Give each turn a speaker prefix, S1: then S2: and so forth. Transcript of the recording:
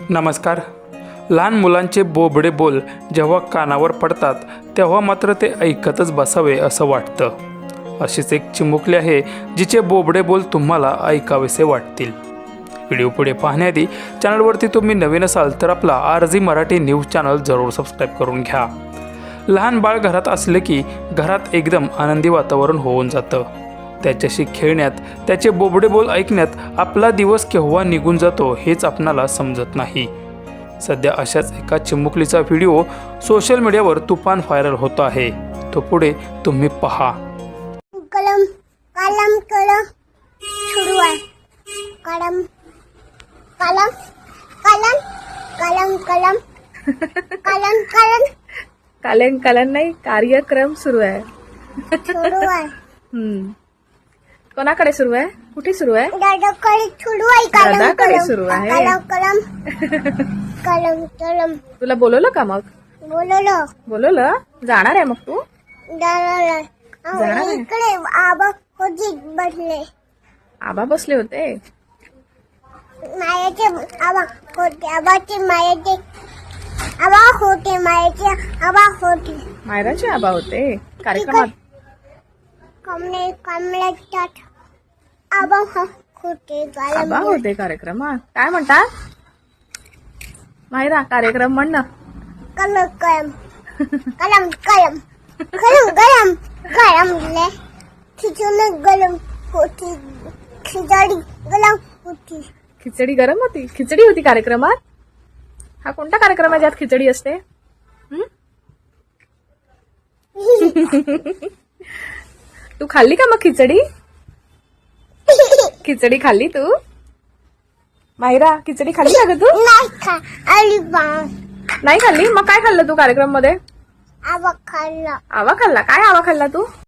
S1: नमस्कार. लहान मुलांचे बोबडे बोल जेव्हा कानावर पडतात तेव्हा मात्र ते ऐकतच बसावे असं वाटतं. अशीच एक चिमुकली आहे जिचे बोबडे बोल तुम्हाला ऐकावेसे वाटतील. व्हिडिओ पुढे पाहण्याआधी चॅनलवरती तुम्ही नवीन असाल तर आपला RG मराठी न्यूज चॅनल जरूर सबस्क्राईब करून घ्या. लहान बाळ घरात असले की घरात एकदम आनंदी वातावरण होऊन जातं. त्याच्याशी खेळण्यात, त्याचे बोबडे बोल ऐकण्यात आपला दिवस केव्हा निघून जातो हेच आपणाला समजत नाही. सध्या अशाच एका चिमुकलीचा व्हिडिओ सोशल मीडियावर तुफान व्हायरल होत आहे. तो पुढे तुम्ही पहा.
S2: कलम कलम कलम सुरू आहे. कलम कलम कलम कलम कलम कलम कलम
S3: कालन कालन नाही, कार्यक्रम सुरू आहे.
S2: सुरू आहे.
S3: कोणाकडे सुरू आहे? कुठे सुरू आहे?
S2: दादाकडे सुरू आहे. कलम
S3: दादाकडे
S2: कलम
S3: सुरू आहे.
S2: कलम कलम कलम कलम
S3: तुला बोलवलं का मग?
S2: बोलवलं
S3: जाणार आहे मग तू?
S2: दादाला
S3: जाणार आहे?
S2: इकडे आबा होती बसले.
S3: आबा बसले होते.
S2: मायाचे आबा होते. आबाचे मायाचे आबा होते. मायाचे आबा होते.
S3: मायराचे आबा होते कार्यक्रमात.
S2: कमळाच्यात आबा होते.
S3: आबा होते कार्यक्रमात. काय म्हणतात मायरा? कार्यक्रम म्हण ना.
S2: कलम कलम कलम कलम कलम गरम गरम खिचडी गरम होती. खिचडी गरम होती.
S3: खिचडी गरम होती. खिचडी होती कार्यक्रमात. हा कोणता कार्यक्रम आहे ज्यात खिचडी असते? तू खाल्ली का मग खिचडी? खिचडी खाल्ली तू? मायरा खिचडी खाल्ली का ग तू?
S2: नाही खा आली बाण
S3: नाही खाल्ली. मग काय खाल्लं तू कार्यक्रम मध्ये?
S2: आबा खाल्ला.
S3: आवा खाल्ला. काय आवा खाल्ला तू?